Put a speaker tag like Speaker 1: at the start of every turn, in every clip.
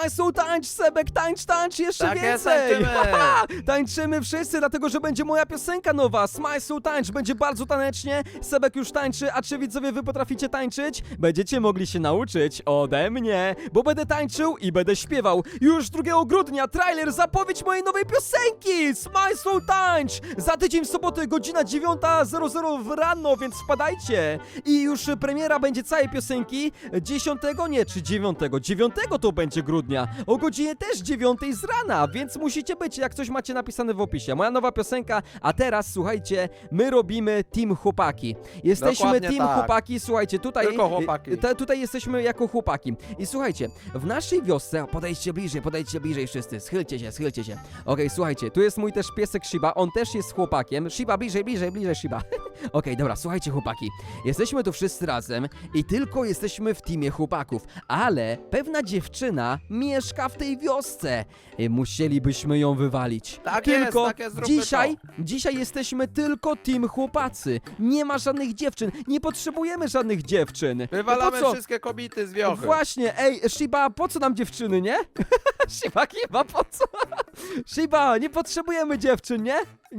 Speaker 1: Smajsu, tańcz, Sebek, tańcz, jeszcze
Speaker 2: Tak jest,
Speaker 1: więcej!
Speaker 2: tańczymy.
Speaker 1: Tańczymy wszyscy, dlatego że będzie moja piosenka nowa. Smajsu, tańcz, będzie bardzo tanecznie. Sebek już tańczy, a czy widzowie wy potraficie tańczyć? Będziecie mogli się nauczyć ode mnie, bo będę tańczył i będę śpiewał. Już 2 grudnia trailer, zapowiedź mojej nowej piosenki! Smajsu, tańcz! Za tydzień w sobotę, godzina 9:00 w rano, więc wpadajcie! I już premiera będzie całej piosenki 10, nie, czy 9? 9 to będzie grudnia, o godzinie też 9 z rana, więc musicie być, jak coś macie napisane w opisie. Moja nowa piosenka, a teraz słuchajcie, my robimy Team Chłopaki. Jesteśmy
Speaker 2: Dokładnie
Speaker 1: Team
Speaker 2: tak.
Speaker 1: Chłopaki, słuchajcie, tutaj...
Speaker 2: Tylko chłopaki.
Speaker 1: Tutaj jesteśmy jako chłopaki. I słuchajcie, w naszej wiosce, podejdźcie bliżej wszyscy, schylcie się. Okej, słuchajcie, tu jest mój też piesek Shiba, on też jest chłopakiem. Shiba, bliżej, Shiba. Okej, dobra, słuchajcie chłopaki, jesteśmy tu wszyscy razem i tylko jesteśmy w teamie chłopaków, ale pewna dziewczyna mieszka w tej wiosce. Musielibyśmy ją wywalić.
Speaker 2: Tak jest,
Speaker 1: Tylko
Speaker 2: tak jest, zróbmy
Speaker 1: dzisiaj jesteśmy tylko team chłopacy. Nie ma żadnych dziewczyn, nie potrzebujemy żadnych dziewczyn.
Speaker 2: Wywalamy
Speaker 1: Po co?
Speaker 2: wszystkie kobiety z wiochy.
Speaker 1: Właśnie, ej, Shiba, po co nam dziewczyny, nie? Shiba, chyba po co? Shiba, nie potrzebujemy dziewczyn, nie?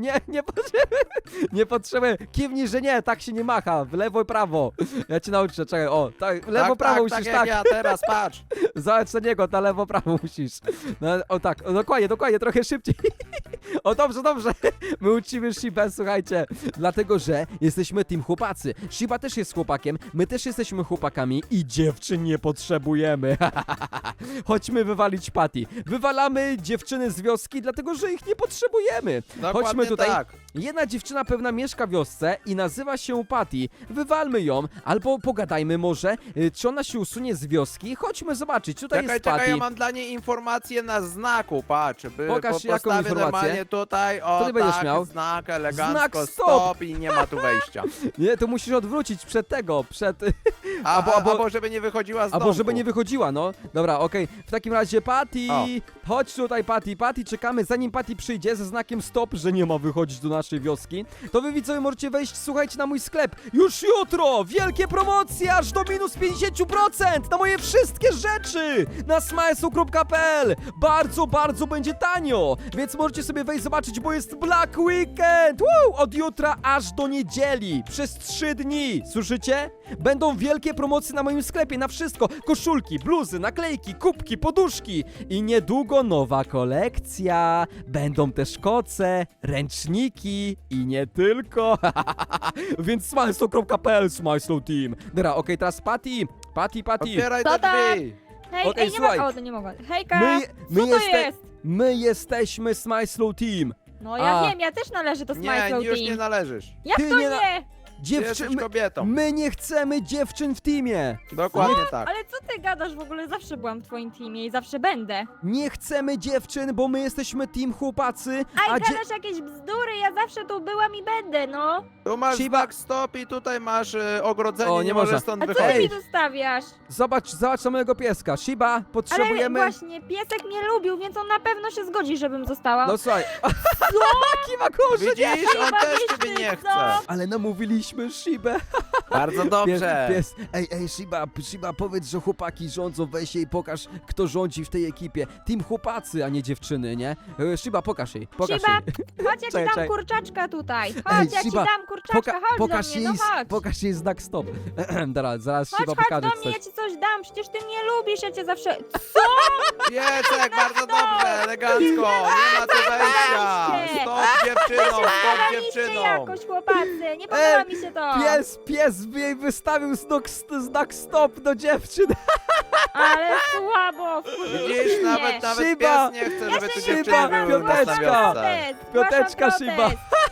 Speaker 1: Nie potrzebujemy. Kiwnij, że nie, tak się nie macha. W lewo i prawo. Ja cię nauczę, czekaj, o, tak, lewo, prawo musisz,
Speaker 2: tak.
Speaker 1: tak.
Speaker 2: Jak ja teraz, patrz.
Speaker 1: Zobacz na niego, na lewo, prawo musisz. No, o tak, o, dokładnie, trochę szybciej. O, dobrze. My uczymy Shibę, słuchajcie. Dlatego, że jesteśmy team chłopacy. Shiba też jest chłopakiem, my też jesteśmy chłopakami i dziewczyn nie potrzebujemy. Chodźmy wywalić Patty. Wywalamy dziewczyny z wioski, dlatego, że ich nie potrzebujemy.
Speaker 2: Dokładnie
Speaker 1: Chodźmy tutaj.
Speaker 2: tak.
Speaker 1: Jedna dziewczyna pewna mieszka w wiosce i nazywa się Patty. Wywalmy ją, albo pogadajmy może, czy ona się usunie z wioski. Chodźmy zobaczyć, tutaj jest Patty.
Speaker 2: Czekaj, ja mam dla niej informację na znaku, patrz.
Speaker 1: Pokaż jaką
Speaker 2: postawię
Speaker 1: informację.
Speaker 2: normalnie tutaj, o
Speaker 1: ty będziesz
Speaker 2: tak,
Speaker 1: miał?
Speaker 2: znak elegancko,
Speaker 1: Znak stop.
Speaker 2: i nie ma tu wejścia.
Speaker 1: Nie, to musisz odwrócić przed tego,
Speaker 2: Albo żeby nie wychodziła z domu.
Speaker 1: Albo żeby nie wychodziła, no. Dobra, okej. W takim razie Patty,
Speaker 2: O.
Speaker 1: chodź tutaj Patty, czekamy, zanim Patty przyjdzie ze znakiem stop, że nie ma wychodzić do naszej wioski. To wy widzowie możecie wejść, słuchajcie, na mój sklep. Już jutro! Wielkie promocje, aż do minus 50% na moje wszystkie rzeczy na smajsu.pl. Bardzo będzie tanio, więc możecie sobie wejść zobaczyć, bo jest Black Weekend. Woo! Od jutra aż do niedzieli, przez 3 dni. Słyszycie? Będą wielkie promocje na moim sklepie, na wszystko. Koszulki, bluzy, naklejki, kubki, poduszki. I niedługo nowa kolekcja. Będą też koce, ręczniki i nie tylko. Więc smajslow.pl, Smajslow Team. Dobra, okej, teraz Patty.
Speaker 2: Otwieraj
Speaker 3: Co
Speaker 2: te
Speaker 3: tam?
Speaker 2: drzwi.
Speaker 3: Hej,
Speaker 1: Okej,
Speaker 3: ej, nie
Speaker 1: słuchaj.
Speaker 3: ma... O, to nie mogę. Hejka!
Speaker 1: My
Speaker 3: Co to jest?
Speaker 1: My jesteśmy Smajslow Team.
Speaker 3: No ja
Speaker 1: A.
Speaker 3: wiem, ja też należę do
Speaker 2: Nie,
Speaker 3: Smile
Speaker 2: już nie
Speaker 3: Team.
Speaker 2: należysz.
Speaker 3: Jak
Speaker 1: Ty
Speaker 3: to
Speaker 1: nie
Speaker 3: nie?
Speaker 2: Jesteś kobietą.
Speaker 1: My nie chcemy dziewczyn w teamie.
Speaker 2: Dokładnie tak.
Speaker 3: Ale co ty gadasz w ogóle? Zawsze byłam w twoim teamie i zawsze będę.
Speaker 1: Nie chcemy dziewczyn, bo my jesteśmy team chłopacy,
Speaker 3: Aj, gadasz jakieś bzdury, ja zawsze tu byłam i będę, no.
Speaker 2: Tu masz
Speaker 1: Shiba.
Speaker 2: znak stop i tutaj masz ogrodzenie,
Speaker 1: O, nie
Speaker 2: nie
Speaker 1: można.
Speaker 2: możesz stąd
Speaker 3: A co ty
Speaker 2: wychodzić.
Speaker 3: mi tu stawiasz?
Speaker 1: Zobacz na mojego pieska. Shiba,
Speaker 3: Ale
Speaker 1: potrzebujemy...
Speaker 3: właśnie, piesek mnie lubił, więc on na pewno się zgodzi, żebym została.
Speaker 1: No słuchaj. Kiwa koło, że nie.
Speaker 2: Widzisz, on
Speaker 3: Shiba,
Speaker 2: też
Speaker 3: wiesz
Speaker 2: ciebie
Speaker 3: ty
Speaker 2: nie
Speaker 3: co?
Speaker 2: chce.
Speaker 1: Ale namówiliśmy Shibę.
Speaker 2: Bardzo dobrze.
Speaker 1: Pies. Ej, Shiba, powiedz, że chłopaki rządzą, weź jej, pokaż, kto rządzi w tej ekipie. Team chłopacy, a nie dziewczyny, nie? Shiba, pokaż jej.
Speaker 3: Shiba, chodź, ja ci
Speaker 1: Czekaj.
Speaker 3: dam kurczaczka tutaj. Chodź, ja ci
Speaker 1: Shiba,
Speaker 3: dam kurczaczka, chodź
Speaker 1: pokaż
Speaker 3: do mnie, no chodź.
Speaker 1: pokaż jej znak stop. Dobra, zaraz
Speaker 3: Chodź,
Speaker 1: Shiba
Speaker 3: chodź
Speaker 1: pokaże
Speaker 3: do mnie, ja
Speaker 1: coś.
Speaker 3: ci coś dam, przecież ty mnie lubisz, ja cię zawsze...
Speaker 2: Piesek, bardzo dobrze, elegancko. Nie ma tu wejścia.
Speaker 3: Zadaliście.
Speaker 2: Stop dziewczyną, stop
Speaker 3: Zadaliście
Speaker 2: dziewczyną.
Speaker 3: jakoś, chłopacy, nie podoba mi się to.
Speaker 1: Pies jej wystawił znak stop do dziewczyn.
Speaker 3: Ale słabo,
Speaker 2: Widzisz, nawet
Speaker 1: Shiba.
Speaker 2: pies nie chce, żeby tu
Speaker 1: Shiba,
Speaker 2: dziewczyny były na
Speaker 1: piąteczka.
Speaker 2: wiosce.
Speaker 1: Piąteczka, Shiba.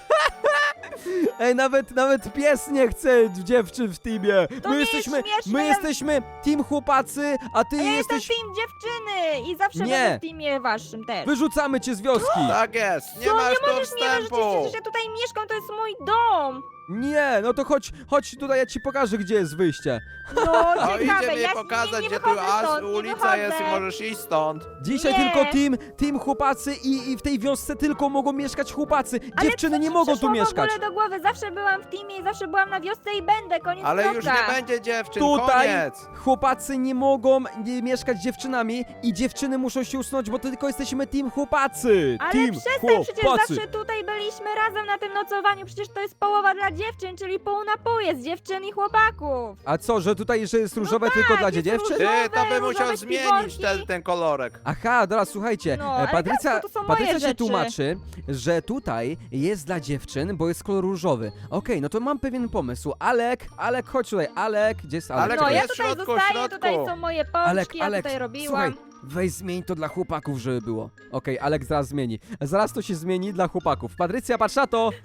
Speaker 1: Ej, nawet pies nie chce dziewczyn w teamie.
Speaker 3: To nie jest śmieszne,
Speaker 1: My
Speaker 3: ja-
Speaker 1: jesteśmy team chłopacy, a ty
Speaker 3: Ja jestem
Speaker 1: jesteś...
Speaker 3: team dziewczyny i zawsze
Speaker 1: Nie.
Speaker 3: będę w teamie waszym też.
Speaker 1: Wyrzucamy cię z wioski.
Speaker 2: Tak jest, nie
Speaker 3: Co,
Speaker 2: masz
Speaker 3: nie
Speaker 2: tu
Speaker 3: możesz mnie wyrzucić,
Speaker 2: wstępu.
Speaker 3: przecież ja tutaj mieszkam, to jest mój dom.
Speaker 1: Nie, no to chodź tutaj, ja ci pokażę, gdzie jest wyjście.
Speaker 3: No,
Speaker 2: O,
Speaker 3: ciekawe,
Speaker 2: idzie mi
Speaker 3: ja
Speaker 2: pokazać,
Speaker 3: nie
Speaker 2: gdzie tu
Speaker 3: wychodzę stąd, nie
Speaker 2: ulica jest i
Speaker 3: wychodzę.
Speaker 2: możesz iść stąd.
Speaker 1: Dzisiaj
Speaker 3: Nie.
Speaker 1: tylko team chłopacy i w tej wiosce tylko mogą mieszkać chłopacy.
Speaker 3: Ale
Speaker 1: Dziewczyny
Speaker 3: co
Speaker 1: nie
Speaker 3: ci
Speaker 1: mogą tu
Speaker 3: przyszło
Speaker 1: mieszkać.
Speaker 3: w ogóle do głowy? Zawsze byłam w teamie i zawsze byłam na wiosce i będę, koniec
Speaker 2: Ale już
Speaker 3: kropka.
Speaker 2: nie będzie dziewczyn,
Speaker 1: Tutaj
Speaker 2: koniec.
Speaker 1: chłopacy nie mogą mieszkać z dziewczynami i dziewczyny muszą się usunąć, bo tylko jesteśmy team chłopacy.
Speaker 3: Ale
Speaker 1: Team
Speaker 3: przestań, przecież
Speaker 1: chłopacy.
Speaker 3: zawsze tutaj byliśmy razem na tym nocowaniu, przecież to jest połowa dla dziewczyn, czyli pół na pół jest dziewczyn i chłopaków.
Speaker 1: A co, że tutaj że jest różowe
Speaker 3: tak,
Speaker 1: tylko dla
Speaker 3: jest
Speaker 1: dziewczyn?
Speaker 3: różowe.
Speaker 2: Ty, to by musiał
Speaker 3: różowe
Speaker 2: zmienić
Speaker 3: śpiworki.
Speaker 2: ten kolorek.
Speaker 1: Aha, dobra, słuchajcie,
Speaker 3: No, ale
Speaker 1: Patrycja,
Speaker 3: to są moje
Speaker 1: Patrycja się
Speaker 3: rzeczy.
Speaker 1: tłumaczy, że tutaj jest dla dziewczyn, bo jest kolor różowy. Okej, no to mam pewien pomysł. Alek, chodź tutaj. Alek, gdzie jest Alek?
Speaker 2: Alek,
Speaker 3: No,
Speaker 2: tu
Speaker 3: ja
Speaker 2: jest w
Speaker 3: tutaj
Speaker 2: środku, w
Speaker 3: zostaję,
Speaker 2: środku.
Speaker 3: tutaj są moje pączki, ja tutaj robiłam.
Speaker 1: słuchaj, weź zmień to dla chłopaków, żeby było. Okej, Alek zaraz zmieni. Zaraz to się zmieni dla chłopaków. Patrycja, patrz na to!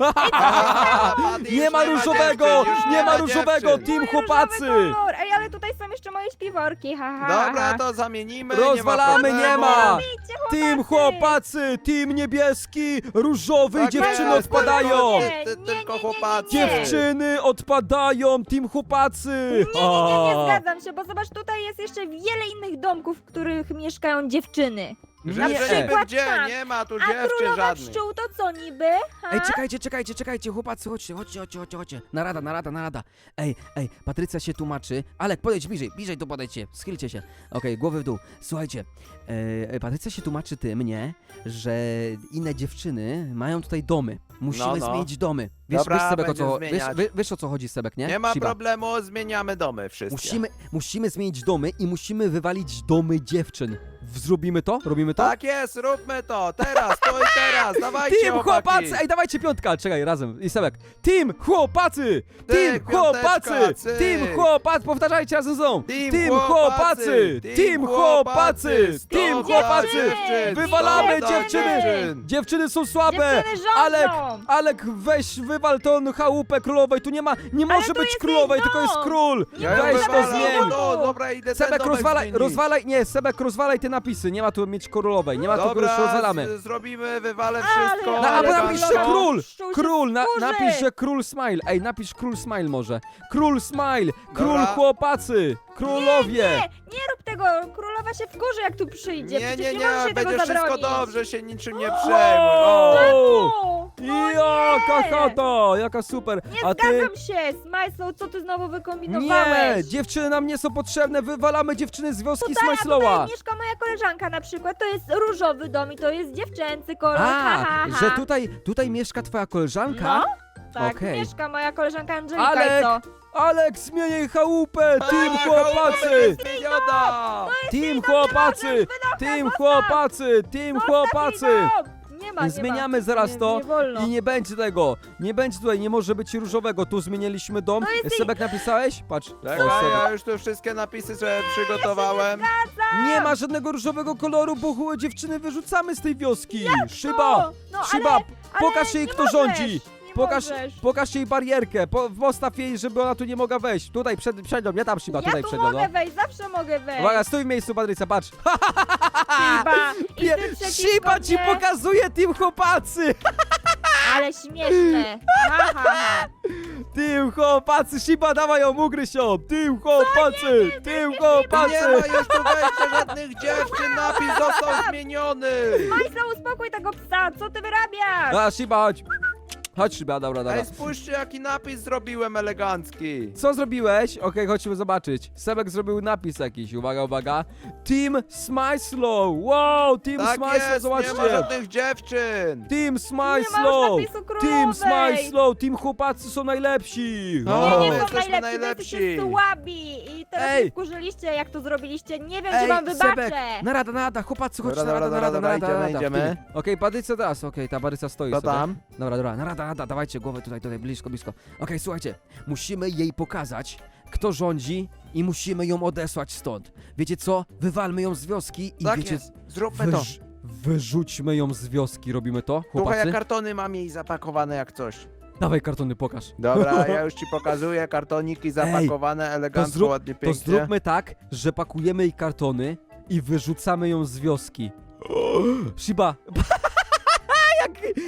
Speaker 2: A, Patty,
Speaker 1: Nie
Speaker 2: już
Speaker 1: ma różowego!
Speaker 2: dziewczyn, już
Speaker 1: Nie ma różowego!
Speaker 2: dziewczyn.
Speaker 1: Team
Speaker 3: Mój
Speaker 1: chłopacy!
Speaker 3: różowy kolor. Ej, ale tutaj są jeszcze moje śpiworki, haha.
Speaker 2: Dobra, to zamienimy.
Speaker 1: Rozwalamy,
Speaker 2: nie
Speaker 1: nie
Speaker 2: ma.
Speaker 1: ma!
Speaker 2: problemu.
Speaker 3: Idźcie,
Speaker 1: Team chłopacy! Team niebieski! Różowy i
Speaker 2: Tak
Speaker 1: dziewczyny
Speaker 2: jest,
Speaker 1: odpadają!
Speaker 3: Nie,
Speaker 2: Tylko
Speaker 3: nie,
Speaker 2: chłopacy.
Speaker 1: Dziewczyny odpadają! Team chłopacy!
Speaker 3: Nie zgadzam się, bo zobacz, tutaj jest jeszcze wiele innych domków, w których mieszkają dziewczyny.
Speaker 2: Że
Speaker 1: Nie.
Speaker 2: niby
Speaker 3: Patrz
Speaker 2: gdzie?
Speaker 3: tam.
Speaker 2: Nie ma tu
Speaker 3: A
Speaker 2: dziewczyn
Speaker 3: królowa
Speaker 2: żadnych.
Speaker 3: pszczół to co niby? Ha?
Speaker 1: Ej, czekajcie, chłopacy, chodźcie. Narada. Ej, Patrycja się tłumaczy. Alek, podejdź bliżej tu podejdźcie, schylcie się. Okej, głowy w dół. Słuchajcie, Patrycja się tłumaczy tym, nie, że inne dziewczyny mają tutaj domy. Musimy
Speaker 2: No.
Speaker 1: zmienić domy. Wiesz,
Speaker 2: Dobra,
Speaker 1: wiesz, Sebek,
Speaker 2: będziemy zmieniać.
Speaker 1: wiesz o co chodzi, Sebek, nie?
Speaker 2: Nie ma
Speaker 1: Shiba.
Speaker 2: problemu, zmieniamy domy wszystkie.
Speaker 1: Musimy zmienić domy i musimy wywalić domy dziewczyn. Zrobimy to? Robimy to?
Speaker 2: Tak jest, róbmy to. Teraz, to i teraz. Dawajcie,
Speaker 1: Team
Speaker 2: chłopaki.
Speaker 1: chłopacy! Ej, dawajcie piątka! Czekaj, razem. I Sebek. Team chłopacy!
Speaker 2: Ty,
Speaker 1: Team chłopacy!
Speaker 2: piąteczka,
Speaker 1: Team
Speaker 2: cyk.
Speaker 1: chłopacy! Powtarzajcie razem ze mną!
Speaker 2: Team chłopacy!
Speaker 1: Team chłopacy!
Speaker 2: Stop
Speaker 1: Team
Speaker 2: dla
Speaker 1: chłopacy!
Speaker 2: dziewczyn!
Speaker 1: Wywalamy
Speaker 2: Stop dla
Speaker 1: dziewczyny!
Speaker 2: dziewczyn!
Speaker 1: Dziewczyny są słabe!
Speaker 3: Dziewczyny rządzą!
Speaker 1: Alek, weź, wywal tą chałupę królowej. Tu nie może
Speaker 3: tu
Speaker 1: być
Speaker 3: jest
Speaker 1: królowej,
Speaker 3: jej
Speaker 1: tylko jest
Speaker 3: dom.
Speaker 1: król!
Speaker 2: Ja ją
Speaker 1: Weź to
Speaker 2: wywalam.
Speaker 1: zmień!
Speaker 2: No, dobra, idę ten
Speaker 1: Sebek,
Speaker 2: domek zmienić.
Speaker 1: rozwalaj te napisy. Nie ma tu mieć królowej, nie ma tu już
Speaker 2: Dobra,
Speaker 1: rozwalamy.
Speaker 2: zrobimy, wywalę
Speaker 3: Ale-
Speaker 2: wszystko.
Speaker 3: No,
Speaker 1: No, albo
Speaker 3: elegancko.
Speaker 1: napisz, że król!
Speaker 3: Pszczół się
Speaker 1: Król,
Speaker 3: wkurzy.
Speaker 1: napisz, że król smile. Ej, napisz król smile może. Król smile! Król
Speaker 2: Dobra.
Speaker 1: chłopacy! Królowie!
Speaker 3: Nie rób tego, królowa się wkurzy jak tu przyjdzie,
Speaker 2: Nie,
Speaker 3: przecież nie możesz jej tego
Speaker 2: będzie wszystko
Speaker 3: zabronić.
Speaker 2: dobrze, się niczym nie przejmuj. O.
Speaker 1: Wow!
Speaker 3: No
Speaker 1: Jaka
Speaker 3: nie.
Speaker 1: chata! Jaka super!
Speaker 3: Nie
Speaker 1: A ty?
Speaker 3: zgadzam się, Smajslow, co ty znowu wykombinowałeś?
Speaker 1: Nie! Dziewczyny nam nie są potrzebne, wywalamy dziewczyny z wioski
Speaker 3: Tutaj, a
Speaker 1: Smajslowa!
Speaker 3: tutaj mieszka moja koleżanka na przykład, to jest różowy dom i to jest dziewczęcy kolor, ha,
Speaker 1: A,
Speaker 3: ha, ha.
Speaker 1: że tutaj mieszka twoja koleżanka?
Speaker 3: No, tak,
Speaker 1: Okej.
Speaker 3: mieszka moja koleżanka Angelika
Speaker 1: Alek,
Speaker 3: i co?
Speaker 1: Alek, zmień jej chałupę! Team
Speaker 2: A,
Speaker 1: chłopacy!
Speaker 2: Zmieniona!
Speaker 1: Team chłopacy! Team chłopacy! Team chłopacy!
Speaker 3: Nie ma,
Speaker 1: Zmieniamy zaraz to
Speaker 3: nie wolno.
Speaker 1: i nie będzie tego. Nie będzie tutaj, nie może być różowego. Tu zmieniliśmy dom.
Speaker 3: To jest
Speaker 1: Sebek napisałeś? Patrz.
Speaker 2: Czekaj,
Speaker 1: O, Sebek.
Speaker 2: ja już tu wszystkie napisy sobie przygotowałem.
Speaker 1: Nie ma żadnego różowego koloru, bo dziewczyny wyrzucamy z tej wioski. Szyba!
Speaker 3: No, no,
Speaker 1: Szyba!
Speaker 3: ale
Speaker 1: Pokaż jej,
Speaker 3: nie
Speaker 1: kto
Speaker 3: możesz,
Speaker 1: rządzi.
Speaker 3: nie
Speaker 1: Pokaż,
Speaker 3: możesz.
Speaker 1: pokaż jej barierkę. Postaw jej, żeby ona tu nie mogła wejść. Tutaj przed nią, nie tam Szyba,
Speaker 3: Ja
Speaker 1: tutaj
Speaker 3: tu
Speaker 1: przed nią.
Speaker 3: mogę
Speaker 1: No.
Speaker 3: wejść, zawsze mogę wejść.
Speaker 1: Uwaga, stój w miejscu, Patrycja, patrz.
Speaker 3: Shiba, i
Speaker 1: Nie,
Speaker 3: ty przeciwko
Speaker 1: Szyba ci
Speaker 3: mnie.
Speaker 1: pokazuje team chłopacy.
Speaker 3: Ale śmieszne. Ha, ha, ha.
Speaker 1: Team chłopacy, Shiba, dawaj ją, ugryź ją. Team chłopacy, team
Speaker 2: Nie
Speaker 1: chłopacy.
Speaker 2: ma już tu wejścia żadnych dziewczyn, napis został zmieniony.
Speaker 3: Majsla, uspokój tego psa, co ty wyrabiasz?
Speaker 1: A, Shiba, chodź. Chodź, Shiba, dobra.
Speaker 2: Ej, spójrzcie jaki napis zrobiłem elegancki.
Speaker 1: Co zrobiłeś? Okej, chodźmy zobaczyć. Sebek zrobił napis jakiś, uwaga. Team Smajslow, wow, Team
Speaker 2: Tak
Speaker 1: Smajslow,
Speaker 2: jest, nie ma
Speaker 1: zobaczcie.
Speaker 2: żadnych dziewczyn.
Speaker 1: Team Smajslow,
Speaker 3: Nie ma już napisu
Speaker 1: Team
Speaker 3: królowej.
Speaker 1: Smajslow, Team chłopacy są najlepsi.
Speaker 2: No,
Speaker 3: Nie,
Speaker 1: O.
Speaker 3: nie
Speaker 2: my
Speaker 3: są
Speaker 2: jesteśmy
Speaker 3: najlepsi,
Speaker 2: najlepsi.
Speaker 3: wy jesteście słabi. I teraz
Speaker 1: Ej.
Speaker 3: się wkurzyliście, jak to zrobiliście. Nie wiem, czy
Speaker 1: Ej,
Speaker 3: wam
Speaker 1: Sebek,
Speaker 3: wybaczę.
Speaker 1: narada, chłopacy, chodźcie,
Speaker 2: Dobra,
Speaker 1: narada,
Speaker 2: idziemy.
Speaker 1: Okej, Patrycja teraz, ta Patrycja stoi
Speaker 2: Co
Speaker 1: sobie.
Speaker 2: tam?
Speaker 1: Dobra, narada, dawajcie głowę tutaj, blisko. Okej, słuchajcie, musimy jej pokazać, kto rządzi i musimy ją odesłać stąd. Wiecie co? Wywalmy ją z wioski i
Speaker 2: Tak
Speaker 1: wiecie...
Speaker 2: jest, zróbmy to.
Speaker 1: Wyrzućmy ją z wioski, robimy to,
Speaker 2: Słuchaj,
Speaker 1: chłopacy?
Speaker 2: ja kartony mam jej zapakowane jak coś.
Speaker 1: Dawaj kartony, pokaż.
Speaker 2: Dobra, ja już ci pokazuję, kartoniki zapakowane elegancko, ładnie,
Speaker 1: To
Speaker 2: pięknie.
Speaker 1: zróbmy tak, że pakujemy jej kartony i wyrzucamy ją z wioski. Shiba,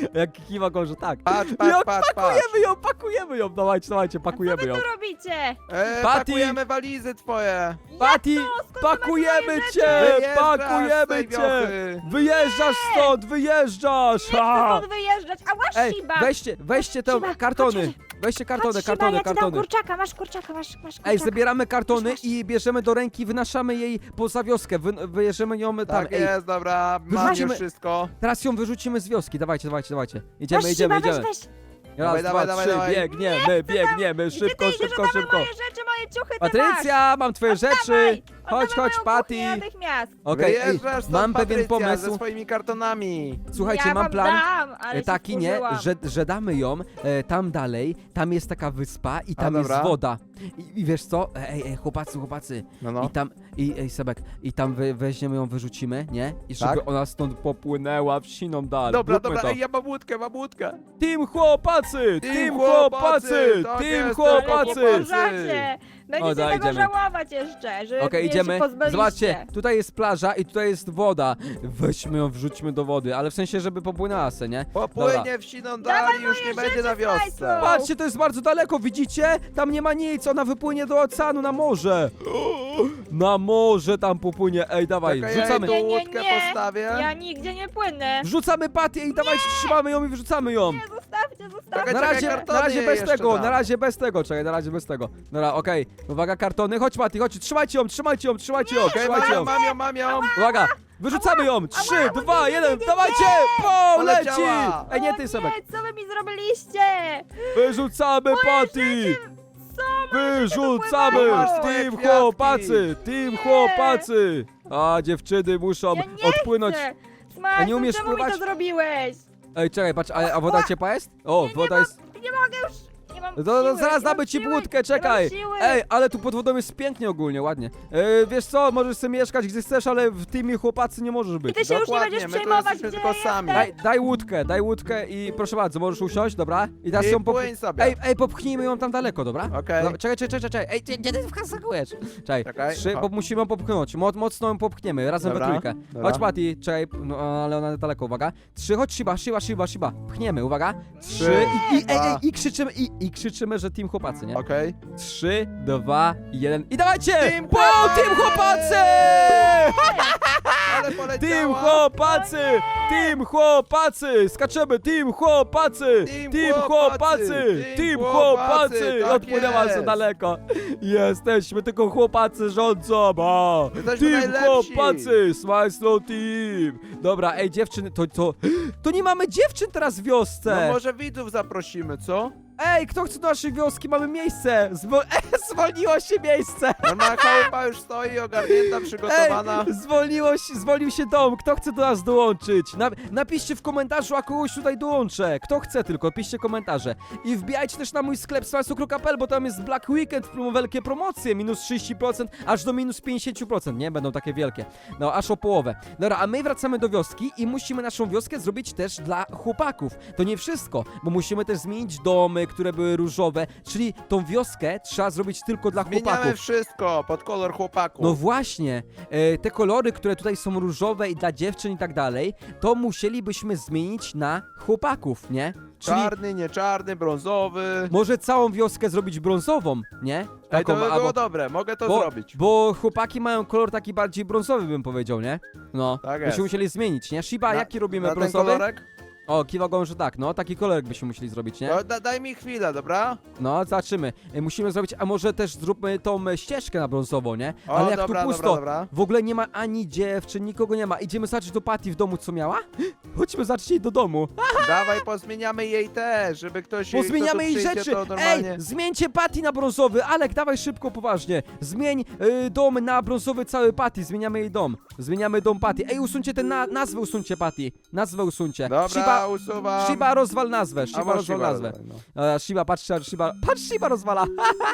Speaker 1: Jak kiwa go, że tak.
Speaker 2: Patrz,
Speaker 1: Jak
Speaker 2: patrz.
Speaker 1: pakujemy ją, dawajcie,
Speaker 3: Co
Speaker 1: pakujemy
Speaker 3: wy
Speaker 1: ją.
Speaker 3: tu robicie?
Speaker 1: Patty!
Speaker 2: Pakujemy walizy twoje.
Speaker 1: Patty,
Speaker 3: Skąd wy macie
Speaker 1: pakujemy
Speaker 3: moje
Speaker 1: cię,
Speaker 2: Wyjeżdżasz z
Speaker 1: pakujemy
Speaker 2: tej
Speaker 1: cię.
Speaker 2: wiochy.
Speaker 1: Wyjeżdżasz stąd, wyjeżdżasz.
Speaker 3: Nie chcę stąd wyjeżdżać, a masz
Speaker 1: Ej,
Speaker 3: Shiba!
Speaker 1: weźcie te
Speaker 3: Shiba,
Speaker 1: kartony.
Speaker 3: chodź,
Speaker 1: Weźcie
Speaker 3: Chodź,
Speaker 1: kartony,
Speaker 3: Shiba,
Speaker 1: kartony,
Speaker 3: ja ci dam
Speaker 1: kartony.
Speaker 3: kurczaka, masz kurczaka.
Speaker 1: Ej, zabieramy kartony
Speaker 3: Masz.
Speaker 1: i bierzemy do ręki, wynaszamy jej poza wioskę, wyjeżdżamy ją tam.
Speaker 2: Tak
Speaker 1: Ej,
Speaker 2: jest, dobra, mam
Speaker 1: Wyrzucimy-
Speaker 2: już wszystko.
Speaker 1: teraz ją wyrzucimy z wioski, dawajcie.
Speaker 3: Weź,
Speaker 1: Idziemy.
Speaker 3: weź.
Speaker 1: Raz,
Speaker 2: Dawaj,
Speaker 1: dwa,
Speaker 2: dawaj,
Speaker 1: trzy,
Speaker 2: dawaj.
Speaker 1: biegniemy,
Speaker 3: Gdzie
Speaker 1: szybko,
Speaker 3: ty idziesz?
Speaker 1: szybko,
Speaker 3: Oddawaj
Speaker 1: szybko.
Speaker 3: moje rzeczy, moje ciuchy, ty
Speaker 1: Patrycja, mam twoje
Speaker 3: masz.
Speaker 1: rzeczy. Chodź,
Speaker 3: Oddawaj moją
Speaker 1: Patty.
Speaker 3: kuchnię natychmiast.
Speaker 1: Okej, ej,
Speaker 2: Wyjeżdżasz stąd,
Speaker 1: mam pewien
Speaker 2: Patrycja,
Speaker 1: pomysł.
Speaker 2: ze swoimi kartonami.
Speaker 1: Słuchajcie,
Speaker 3: Ja
Speaker 1: mam
Speaker 3: wam
Speaker 1: plan.
Speaker 3: Dam, ale się
Speaker 1: Taki nie,
Speaker 3: wkurzyłam.
Speaker 1: że damy ją tam dalej, tam jest taka wyspa i tam jest
Speaker 2: dobra.
Speaker 1: woda. I wiesz co? Ej, chłopacy.
Speaker 2: No.
Speaker 1: Ej, Sebek, i tam weźmiemy ją, wyrzucimy, nie? I żeby
Speaker 2: Tak.
Speaker 1: ona stąd popłynęła w siną dal.
Speaker 2: Dobra,
Speaker 1: Zróbmy
Speaker 2: dobra,
Speaker 1: to.
Speaker 2: ej, ja mam łódkę.
Speaker 1: Team chłopacy!
Speaker 2: Team
Speaker 1: Team
Speaker 2: chłopacy!
Speaker 1: chłopacy!
Speaker 2: Tak
Speaker 1: Team
Speaker 2: jest,
Speaker 3: Ale nie
Speaker 1: chłopacy!
Speaker 3: możecie. Będziecie
Speaker 1: da,
Speaker 3: tego
Speaker 1: idziemy.
Speaker 3: żałować jeszcze, że
Speaker 1: Okej,
Speaker 3: mnie
Speaker 1: idziemy.
Speaker 3: się pozbyliście.
Speaker 1: Zobaczcie, tutaj jest plaża i tutaj jest woda. Weźmy ją, wrzućmy do wody, ale w sensie, żeby popłynęła se, nie?
Speaker 2: Popłynie w siną dal i już nie będzie na wiosce.
Speaker 3: Smajslu.
Speaker 1: Patrzcie, to jest bardzo daleko, widzicie? Tam nie ma nic, ona wypłynie do oceanu, na morze. Na morze tam popłynie, ej, dawaj,
Speaker 2: Czekaj, ja
Speaker 1: wrzucamy.
Speaker 2: tu
Speaker 3: Nie,
Speaker 2: łódkę postawię.
Speaker 3: Ja nigdzie nie płynę.
Speaker 1: Wrzucamy Patty i dawajcie, trzymamy ją i wyrzucamy ją.
Speaker 3: Nie, zostawcie.
Speaker 2: Czekaj,
Speaker 1: Na razie
Speaker 2: kartony
Speaker 1: bez
Speaker 2: jeszcze
Speaker 1: tego,
Speaker 2: dam.
Speaker 1: na razie bez tego, czekaj, na razie bez tego. Dobra, okej, uwaga, kartony, chodź Patty, chodź, trzymajcie ją.
Speaker 2: Okej, mam ją.
Speaker 1: Uwaga, wyrzucamy ją, 3, 2, 1, dawajcie, leci!
Speaker 2: Poleciała.
Speaker 1: Ej, nie
Speaker 3: O
Speaker 1: ty, Sebek,
Speaker 3: nie, co wy mi zrobiliście?
Speaker 1: wyrzucamy Patty!
Speaker 3: Co?
Speaker 1: Wyrzucamy!
Speaker 3: Masz
Speaker 2: swoje
Speaker 1: Team
Speaker 2: kwiatki.
Speaker 1: chłopacy! Team chłopacy! A dziewczyny muszą
Speaker 3: Ja nie
Speaker 1: odpłynąć.
Speaker 3: chcę.
Speaker 1: A
Speaker 3: Smajslu,
Speaker 1: nie umiesz
Speaker 3: czemu
Speaker 1: pływać?
Speaker 3: mi to zrobiłeś?
Speaker 1: Ej, czekaj, patrz, a woda ciepła jest? O,
Speaker 3: Nie,
Speaker 1: woda
Speaker 3: nie
Speaker 1: jest.
Speaker 3: Nie mogę już. Nie mam
Speaker 1: No,
Speaker 3: siły,
Speaker 1: zaraz
Speaker 3: nie
Speaker 1: damy
Speaker 3: mam
Speaker 1: ci
Speaker 3: siły,
Speaker 1: budkę, czekaj!
Speaker 3: Nie mam siły.
Speaker 1: Ej, ale tu pod wodą jest pięknie ogólnie, ładnie. Wiesz co, możesz sobie mieszkać gdzie chcesz, ale w teamie chłopacy nie możesz
Speaker 3: I
Speaker 1: być.
Speaker 3: ty się już nie
Speaker 2: Dokładnie,
Speaker 3: będziesz
Speaker 2: my tu
Speaker 3: przejmować,
Speaker 2: jesteśmy
Speaker 3: gdzie
Speaker 2: tylko sami.
Speaker 3: jestem.
Speaker 1: Daj łódkę i proszę bardzo, możesz usiąść, dobra? I teraz
Speaker 2: I
Speaker 1: ją
Speaker 2: płyń sobie.
Speaker 1: Ej, popchnijmy ją tam daleko, dobra?
Speaker 2: Okej.
Speaker 1: No, czekaj. Ej, gdzie ty wskakujesz? Czekaj,
Speaker 2: Czekaj,
Speaker 1: 3,
Speaker 2: o.
Speaker 1: bo musimy ją popchnąć. Mocno ją popchniemy, razem we
Speaker 2: Dobra,
Speaker 1: trójkę.
Speaker 2: dobra.
Speaker 1: Chodź Patty, czekaj, no ale ona daleko, uwaga. 3, chodź Shiba. Pchniemy, uwaga. 3 i krzyczymy, i krzyczymy, że team chłopacy, nie?
Speaker 2: Okej.
Speaker 1: 3, 2, 1 i dawajcie!
Speaker 2: Team
Speaker 1: Po,
Speaker 2: chłopacy!
Speaker 1: team chłopacy!
Speaker 2: Ale poleciała.
Speaker 1: Team chłopacy!
Speaker 3: O nie!
Speaker 1: Team chłopacy! Skaczemy! Team chłopacy!
Speaker 2: Team chłopacy!
Speaker 1: Team chłopacy!
Speaker 2: Tak
Speaker 1: Odpłynęła
Speaker 2: jest.
Speaker 1: za daleko. Jesteśmy tylko chłopacy rządzą! O!
Speaker 2: Jesteśmy
Speaker 1: Team
Speaker 2: najlepsi.
Speaker 1: chłopacy! Smile Slow Team! Dobra, ej dziewczyny, to nie mamy dziewczyn teraz w wiosce!
Speaker 2: No może widzów zaprosimy, co?
Speaker 1: Ej, kto chce do naszej wioski? Mamy miejsce! Zwolniło się miejsce!
Speaker 2: Normalna chałupa już stoi, ogarnięta, przygotowana.
Speaker 1: Ej, zwolnił się dom. Kto chce do nas dołączyć? Napiszcie w komentarzu, a kogoś tutaj dołączę. Kto chce tylko, piszcie komentarze. I wbijajcie też na mój sklep smajsu.pl, bo tam jest Black Weekend, wielkie promocje, minus 30%, aż do minus 50%, nie? Będą takie wielkie. No, aż o połowę. Dobra, a my wracamy do wioski i musimy naszą wioskę zrobić też dla chłopaków. To nie wszystko, bo musimy też zmienić domy, które były różowe, czyli tą wioskę trzeba zrobić tylko dla
Speaker 2: Zmieniamy
Speaker 1: chłopaków.
Speaker 2: wszystko pod kolor chłopaków.
Speaker 1: No właśnie, te kolory, które tutaj są różowe i dla dziewczyn i tak dalej, to musielibyśmy zmienić na chłopaków, nie? Czyli
Speaker 2: Czarny, nie czarny, brązowy.
Speaker 1: może całą wioskę zrobić brązową, nie?
Speaker 2: Ej, to by
Speaker 1: albo-
Speaker 2: było dobre, mogę to zrobić.
Speaker 1: Bo chłopaki mają kolor taki bardziej brązowy, bym powiedział, nie? No,
Speaker 2: Tak
Speaker 1: byśmy
Speaker 2: jest.
Speaker 1: musieli zmienić, nie? Shiba, jaki robimy
Speaker 2: na ten
Speaker 1: brązowy?
Speaker 2: kolorek?
Speaker 1: O, kiwa głową, że tak, no, taki kolorek byśmy musieli zrobić, nie?
Speaker 2: No, daj mi chwilę, dobra?
Speaker 1: No, zobaczymy. Musimy zrobić, a może też zróbmy tą ścieżkę na brązowo, nie?
Speaker 2: O,
Speaker 1: Ale jak
Speaker 2: dobra,
Speaker 1: tu pusto,
Speaker 2: dobra.
Speaker 1: w ogóle nie ma ani dziewczyn, nikogo nie ma. Idziemy zobaczyć do Patty w domu, co miała? Chodźmy zobaczyć jej do domu.
Speaker 2: Dawaj, pozmieniamy jej też, żeby ktoś
Speaker 1: Pozmieniamy
Speaker 2: kto tu
Speaker 1: jej
Speaker 2: przyjdzie,
Speaker 1: rzeczy.
Speaker 2: To
Speaker 1: Ej,
Speaker 2: normalnie...
Speaker 1: zmieńcie Patty na brązowy. Alek, dawaj szybko, poważnie. Zmień dom na brązowy cały Patty. Zmieniamy jej dom. Zmieniamy dom Patty. Ej, usuńcie ten nazwę, usuńcie Patty. Nazwę usuńcie.
Speaker 2: Dobra, usuwam.
Speaker 1: Shiba rozwal nazwę.
Speaker 2: A
Speaker 1: Shiba
Speaker 2: masz
Speaker 1: rozwal
Speaker 2: Shiba,
Speaker 1: nazwę.
Speaker 2: no.
Speaker 1: Shiba, patrz, Shiba rozwala.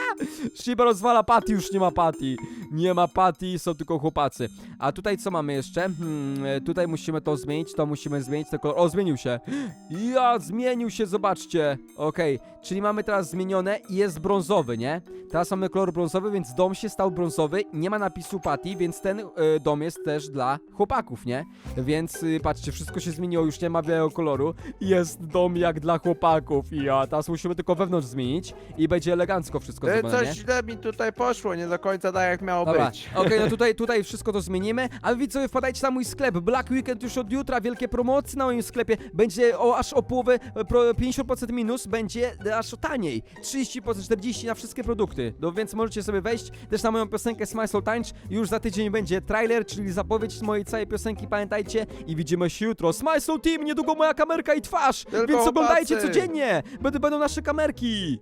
Speaker 1: Shiba rozwala Patty, już nie ma Patty. Nie ma Patty, są tylko chłopacy. A tutaj co mamy jeszcze? Tutaj musimy to zmienić, to musimy zmienić, tylko... O, zmienił się. Ja, zmienił się, zobaczcie. Okej, czyli mamy teraz zmienione i jest brązowy, nie? Teraz mamy kolor brązowy, więc dom się stał brązowy. Nie ma napisu Patty, więc ten dom jest też dla chłopaków, nie? Więc patrzcie, wszystko się zmieniło, już nie ma białego koloru. koloru. Jest dom jak dla chłopaków. Ja, teraz musimy tylko wewnątrz zmienić i będzie elegancko wszystko zrobione,
Speaker 2: Coś
Speaker 1: nie?
Speaker 2: źle mi tutaj poszło, nie do końca tak jak miało
Speaker 1: Dobra,
Speaker 2: być.
Speaker 1: okej, no tutaj wszystko to zmienimy, a wy widzowie wpadajcie na mój sklep, Black Weekend już od jutra, wielkie promocje na moim sklepie, będzie aż o połowę, 50% minus, będzie aż taniej, 30%, 40% na wszystkie produkty, no więc możecie sobie wejść też na moją piosenkę Smile So Tańcz, już za tydzień będzie trailer, czyli zapowiedź mojej całej piosenki, pamiętajcie, i widzimy się jutro, Smile So Team, niedługo moja kamerka i twarz,
Speaker 2: Tylko
Speaker 1: więc oglądajcie
Speaker 2: chłopacy.
Speaker 1: codziennie, będą nasze kamerki.